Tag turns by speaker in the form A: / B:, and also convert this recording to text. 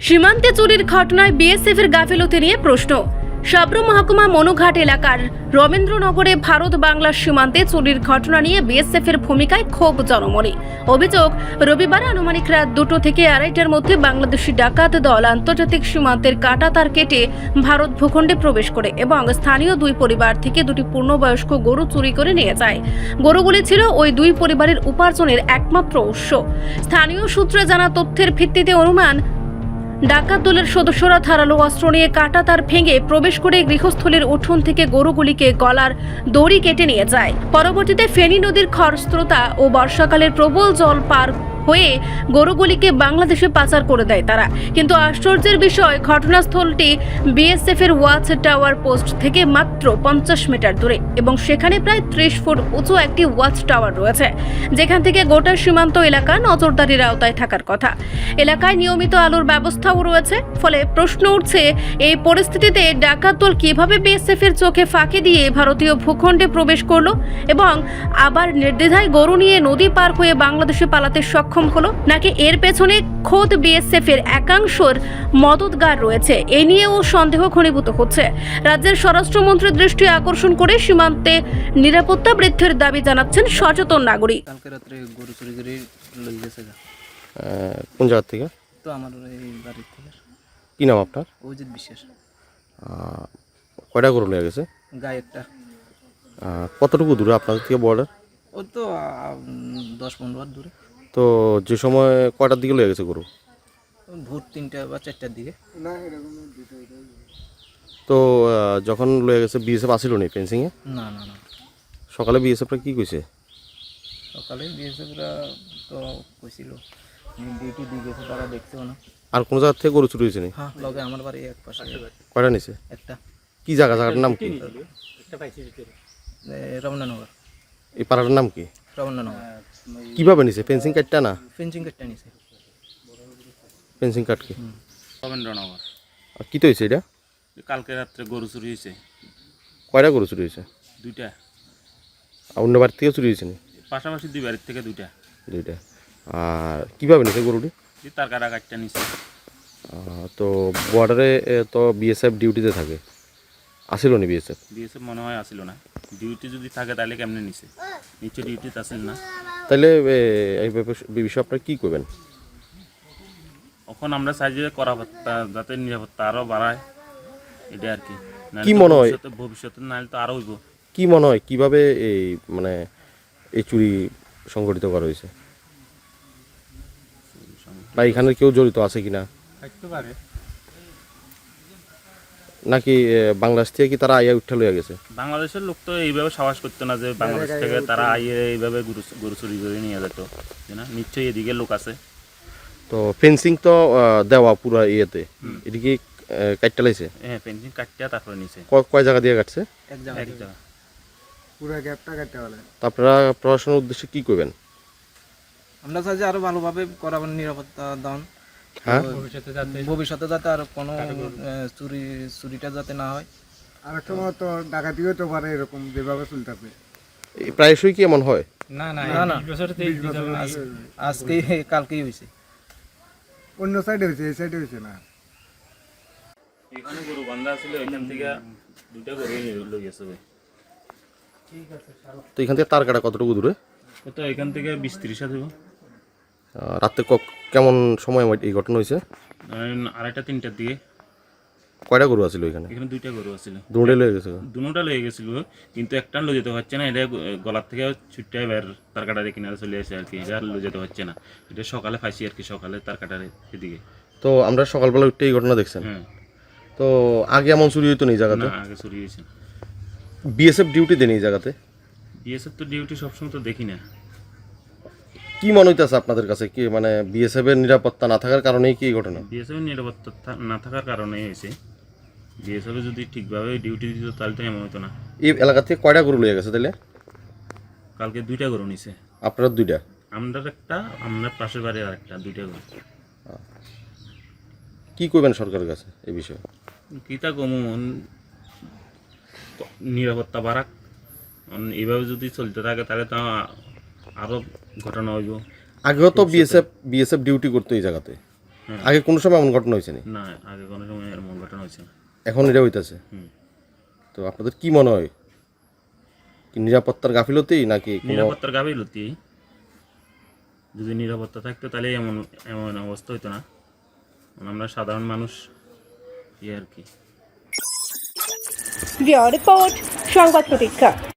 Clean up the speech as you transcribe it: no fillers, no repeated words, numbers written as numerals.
A: সীমান্তে চুরির ঘটনায় বিএসএফের গাফিলতি নিয়ে প্রশ্ন। সাবরুম মহকুমা মনুঘাট এলাকার রবীন্দ্রনগরে ভারত বাংলার সীমান্তে চুরির ঘটনা নিয়ে বিএসএফের ভূমিকায় ক্ষোভ জনমনে। অভিযোগ, রবিবার আনুমানিক রাত 2টো থেকে 2:30টার মধ্যে বাংলাদেশি ডাকাত দল আন্তর্জাতিক সীমান্তের কাঁটাতার কেটে ভারত ভূখণ্ডে প্রবেশ করে এবং স্থানীয় দুই পরিবার থেকে দুটি পূর্ণবয়স্ক গরু চুরি করে নিয়ে যায়। গরুগুলি ছিল ওই দুই পরিবারের উপার্জনের একমাত্র উৎস। স্থানীয় সূত্রে জানা তথ্যের ভিত্তিতে অনুমান, ডাকাত দলের সদস্যরা ধারালো অস্ত্র নিয়ে কাঁটাতার ভেঙে প্রবেশ করে গৃহস্থলীর উঠোন থেকে গরুগুলিকে গলার দড়ি কেটে নিয়ে যায়। পরবর্তীতে ফেনী নদীর খরস্রোতা ও বর্ষাকালের প্রবল জল পার হয়ে গরুগুলিকে বাংলাদেশে পাচার করে দেয় তারা। কিন্তু আশ্চর্যের বিষয়, ঘটনাস্থলটি বিএসএফ এর ওয়াচ টাওয়ার পোস্ট থেকে মাত্র 50 মিটার দূরে এবং সেখানে প্রায় 30 ফুট উঁচু একটি ওয়াচ টাওয়ার রয়েছে, যেখান থেকে গোটা সীমান্ত এলাকা নজরদারির আওতায় থাকার কথা। এলাকায় নিয়মিত আলোর ব্যবস্থাও রয়েছে। ফলে প্রশ্ন উঠছে, এই পরিস্থিতিতে ডাকাত দল কিভাবে বিএসএফ এর চোখে ফাঁকি দিয়ে ভারতীয় ভূখণ্ডে প্রবেশ করলো এবং আবার নির্দ্বিধায় গরু নিয়ে নদী পার হয়ে বাংলাদেশে পালাতে সক্ষম হলো, নাকি এর পেছনে খোদ বিএসএফ এর একাংশের মদতগার রয়েছে? এ নিয়েও সন্দেহ ঘনীভূত হচ্ছে। রাজ্যের স্বরাষ্ট্রমন্ত্রীর দৃষ্টি আকর্ষণ করে সীমান্তে নিরাপত্তা বৃদ্ধির দাবি জানাচ্ছেন সচেতন নাগরিক।
B: কালকে রাত্রে গরু চুরি করে লই গেছে গা।
C: কোন জায়গা থেকে?
B: তো আমার এই বাড়ির থেকে।
C: কি নাম আপনার?
B: অজিত বিশ্বাস।
C: কয়টা গরু লেগে গেছে?
B: গায়ে একটা।
C: কতটুকু দূরে আপনাদের থেকে বর্ডার?
B: ও তো 10-15 হাত দূরে।
C: তো যে সময় কয়টার দিকে লেগে গেছে গরু?
B: ভোর 3টা বা 4টার দিকে।
C: তো যখন লয়ে গেছে বিএসএফ আসিল নি ফেন্সিংয়ে?
B: না না না,
C: সকালে বিএসএফরা কি কইছে?
B: সকালে বিএসএফরা তো কইছিল ডিউটি দিয়ে গেছে, তারা দেখছেও না।
C: আর কোন জায়গা থেকে গরু চুরি হয়েছে নি?
B: হ্যাঁ, লগে আমার বাড়ি এক পাশে
C: কয়টা নিছে?
B: একটা।
C: কি জায়গা? জায়গাটার নাম কি?
B: রমনানগর।
C: এই পাড়াটার নাম কি?
B: রমনানগর।
C: কিভাবে নিছে? ফেন্সিং কাটটা না?
B: ফেন্সিং কাটটা নিছে।
C: ফেন্সিং কাট কি?
D: রবীন্দ্রনগর।
C: আর কি তো হয়েছে এটা?
D: কালকে রাত্রে গরু চুরি হয়েছে।
C: কয়টা গরু চুরি হয়েছে?
D: 2টা।
C: আর অন্য বাড়ির থেকে চুরি হয়েছে নি?
D: পাশাপাশি 2 বাড়ির থেকে 2টা।
C: 2টা। আর কিভাবে নিছে গরুটি?
D: তার কাটা কাটটা নিচ্ছে।
C: তো বর্ডারে তো বিএসএফ ডিউটিতে থাকে, আসিল নি বিএসএফ?
D: বিএসএফ মনে হয় আসিল না। ডিউটি যদি থাকে তাহলে কেমনে নিছে? নিচে ডিউটিতে আসিল না।
C: তাহলে এই বিষয়ে আপনারা কী করবেন?
D: এখন আমরা চাই যে করাপত্তা যাতে নিরাপত্তা আরও বাড়ায়, এটা আর কি।
C: কি মনে হয়
D: ভবিষ্যতে নাহলে তো আরও হইব।
C: কি মনে হয় কিভাবে এই মানে এই চুরি সংগঠিত করা হয়েছে, বা এখানে কেউ জড়িত আছে কিনা? নাকি বাংলাদেশ থেকে কি তারা আইয়া উঠা লইয়া গেছে?
D: বাংলাদেশের লোক তো এইভাবে সাহস করতো না যে বাংলাদেশ থেকে তারা আইয়ে এইভাবে গরু চুরি করে নিয়ে যেত, না? নিশ্চয়ই এদিকে লোক আছে।
C: তো ফেন্সিং তো দেওয়া পুরা ইয়েতে, এদিকে কাটটা লাইছে?
D: হ্যাঁ, ফেন্সিং কাটতে তারপরে নিছে।
C: কয় জায়গা দিয়ে কাটছে?
B: এক জায়গা।
E: পুরো গ্যাপটা কাটতে বলে।
C: তা আপনারা প্রশাসনের উদ্দেশ্যে কি করবেন?
B: আমরা চাই যে আরো ভালোভাবে করাবেন নিরাপত্তা দান।
C: হ্যাঁ,
B: ভবিষ্যতে যাতে আর কোনো চুরিটা যাতে না হয়।
E: আর একটা তো ডাকাতিও তো পারে এরকম যেভাবে চলতেছে।
C: প্রায়শই কি এমন হয়?
B: না না, আজকে কালকেই হয়েছে।
E: অন্য সাইডে হয়েছে, এই সাইডে হয়েছে না।
D: এখানে গরু বান্ধা ছিল, এখান থেকে 2টা গরু লই গেছে।
C: তো এখান থেকে তার কাটা কতটুকু দূরে?
D: কত? এখান থেকে 20-30 হাত হইব।
C: রাত্রে কেমন সময় এই ঘটনা হয়েছে?
D: 2:30-3টার দিকে।
C: কয়টা গরু আছিল এখানে?
D: এখানে 2টা গরু আছিল।
C: দুটোই লয়ে গেছে?
D: দুটোটা লয়ে গেছিল, কিন্তু একটা লয়ে যেতে হচ্ছে না। এটা গলার থেকে ছুটতে বের তার কাটারে কিনারে চলে আসে আর কি। এটা আর লয়ে যেতে হচ্ছে না। এটা সকালে পাইছি আর কি, সকালে তার কাটারে এদিকে।
C: তো আমরা সকালবেলা উঠে এই ঘটনা দেখছেন?
D: হ্যাঁ।
C: তো আগে এমন চুরি হইতো না এই জায়গাতে?
D: না, আগে চুরি হয়েছে।
C: বিএসএফ ডিউটি দেন এই জায়গাতে?
D: বিএসএফ তো ডিউটি সবসময় তো দেখি না।
C: কি মনে হইতেছে আপনাদের কাছে, কি মানে বিএসএফ এর নিরাপত্তা না থাকার কারণেই কি এই ঘটনা?
D: বিএসএফ এর নিরাপত্তা না থাকার কারণেই হয়েছে। বিএসএফ যদি ঠিকভাবে ডিউটি দিত তাহলে তো এমন হতো না।
C: এই এলাকা থেকে কয়টা গরু লয়ে গেছে তাহলে?
D: কালকে 2টা গরু নিছে।
C: আপনারা 2টা?
D: আমরা একটা, আমরা পাশের বাড়ির আর একটা, 2টা গরু।
C: কি করবেন সরকারের কাছে এই বিষয়ে?
D: কিতা কমন নিরাপত্তা বাড়াক। এইভাবে যদি চলতে থাকে তাহলে তো আরও ঘটনা হইব।
C: আগেও তো বিএসএফ ডিউটি করতো এই জায়গাতে, আগে কোনো সময় এমন ঘটনা হয়েছে না?
D: না, আগে কোনো সময় এমন ঘটনা হয়েছে না।
C: এখন এটা হইতেছে।
D: হুম।
C: তো আপনাদের কি মনে হয়, কি নিরাপত্তার গাফিলতি নাকি কোনো?
D: নিরাপত্তার গাফিলতি। যদি নিরাপত্তা থাকতো তাহলে এমন এমন অবস্থা হইতো না। আমরা সাধারণ মানুষ আর কি।
A: রিপোর্ট সংবাদ প্রতীক্ষা।